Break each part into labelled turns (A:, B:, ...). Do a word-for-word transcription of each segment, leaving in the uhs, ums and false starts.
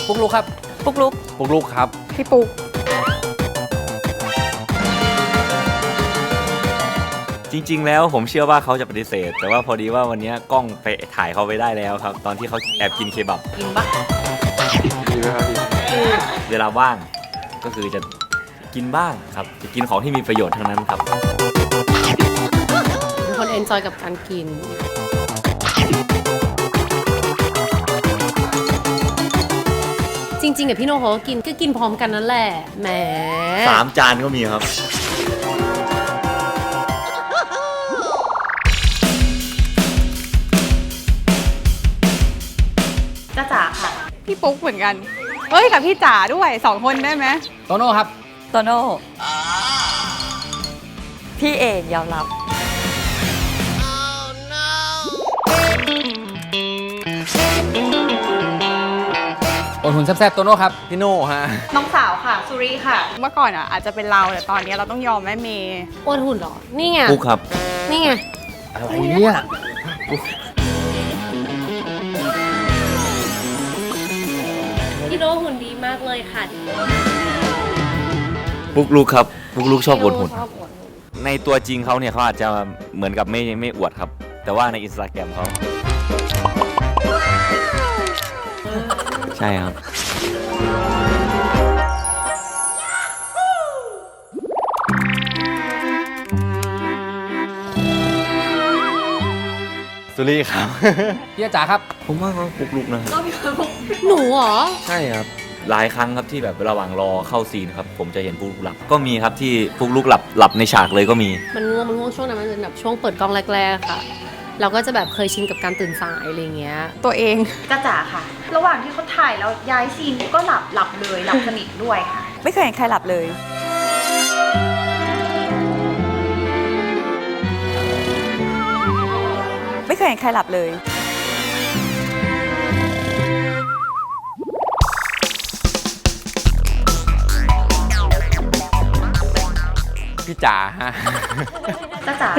A: ปุ๊กลุกครับ
B: ปุ๊กลุก
A: ปุ๊กลุกครับ
B: พี่ปุ๊ก
C: จริงๆแล้วผมเชื่อว่าเขาจะปฏิเสธแต่ว่าพอดีว่าวันนี้กล้องไปถ่ายเขาไปได้แล้วครับตอนที่เขาแอบกินเคบับ
B: กินปะ
A: ดีไหมครับดี
C: เวลาว่างก็คือจะกินบ้างครับจะกินของที่มีประโยชน์ทั้งนั้นครับ
B: เป็นคนเอนจอยกับการกินจริงๆกับพี่โนเขาก็กินก็กินพร้อมกันนั่นแหละแหม
C: สามจานก็มีครับ
B: จ้าจ๋าค่ะ
D: พี่ปุ๊กเหมือนกันเฮ้ยกับพี่จ๋าด้วยสองคนได้ไหม
A: โตโน่ครับ
E: โตโน่พี่เอกยอมรับ
A: โอนหุ่นแซ่บๆโตโน่ครับพี่โน่ฮะ
D: น้องสาวค่ะสุรีค่ะเมื่อก่อนอ่ะอาจจะเป็นเราแต่ตอนนี้เราต้องยอมแม่เมย์
B: อ้วนหุ่นเหรอนี่ไง
C: ปุ๊กครับ
B: นี่ไง
A: อะไรเนี่ย
B: พี่โนหุ่นดีมากเลยค่ะ
C: ปุ๊กลุกครับปุ๊กลุกชอบอวดหุ่นในตัวจริงเขาเนี่ยเขาอาจจะเหมือนกับไม่ไม่อวดครับแต่ว่าในอินสตาแกรมเขาใช่ครับสุรีครับ
A: พี่จ๋าครับ
C: ผมว่าเขาปุ๊กลุกนะครับ
B: หนูเหรอ
C: ใช่ครับหลายครั้งครับที่แบบระหว่างรอเข้าซีนครับผมจะเห็นปุ๊กลุกหลับก็มีครับที่ปุ๊กลุกหลับหลับในฉากเลยก็มี
B: มันง่วงมันง่วงช่วงนั้นมันเป็นแบบช่วงเปิดกล้องแรกๆค่ะเราก็จะแบบเคยชินกับการตื่นสายอะไรเงี้ย
D: ตัวเอง
F: จ้าจ๋าค่ะระหว่างที่เขาถ่ายแล้วย้ายซีนก็หลับหลับเลยหลับสนิทด้วยค่ะ
E: ไม่เคยเห็นใครหลับเลยไม่เคยเห็นใครหลับเลย
A: พี่จ๋าฮะ
F: จ้าจ๋า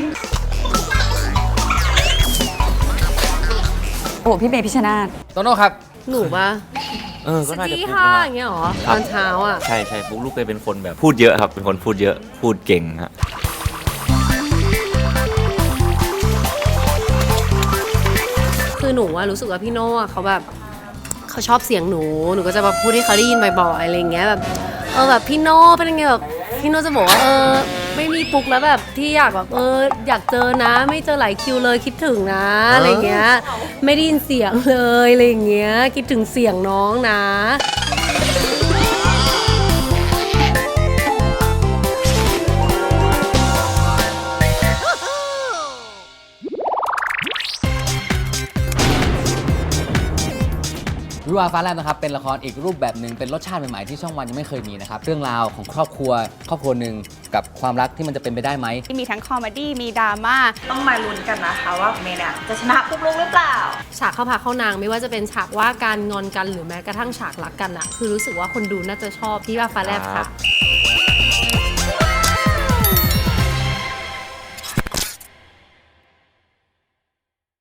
E: โอ้พี่เมย์พิชนาธิ์
A: โตโน่ครับ
B: หนูปะ
C: เออก็น่าจะ
B: ปุ๊ก
C: ลุก
B: ค่ะ
C: นะ
B: อย่างเงี้ยหรอตอนเช้าอ่ะ
C: ใช่ใช่ปุ๊กลุกเคยเป็นคนแบบพูดเยอะครับเป็นคนพูดเยอะพูดเก่งฮะ
B: คือหนูว่ารู้สึกว่าพี่โน่เขาแบบเขาชอบเสียงหนูหนูก็จะมาพูดให้เขาได้ยินบ่อยๆอะไรเงี้ยแบบเออแบบพี่โน่เป็นยังไงแบบพี่โน่จะบอกว่าเออไม่มีปุ๊กแล้วแบบที่อยากแบบเอออยากเจอนะไม่เจอหลายคิวเลยคิดถึงนะอะไรเงี้ยไม่ได้ยินเสียงเลยอะไรเงี้ยคิดถึงเสียงน้องนะ
A: วิวาฟ้าแลบนะครับเป็นละครอีกรูปแบบหนึ่งเป็นรสชาติใหม่ๆที่ช่องวันยังไม่เคยมีนะครับเรื่องราวของครอบครัวครอบครัวหนึ่งกับความรักที่มันจะเป็นไปได้ไหม
D: ที่มีทั้งคอมเมดี้มีดราม่า
F: ต้องมาลุ้นกันนะคะว่าเมย์เนี่ยจะชนะปุ๊กลุกหรือเปล่า
B: ฉากเข้าพาเข้านางไม่ว่าจะเป็นฉากว่าการงอนกันหรือแม้กระทั่งฉากรักกันอะคือรู้สึกว่าคนดูน่าจะชอบที่ว่าฟ้าแลบค่ะ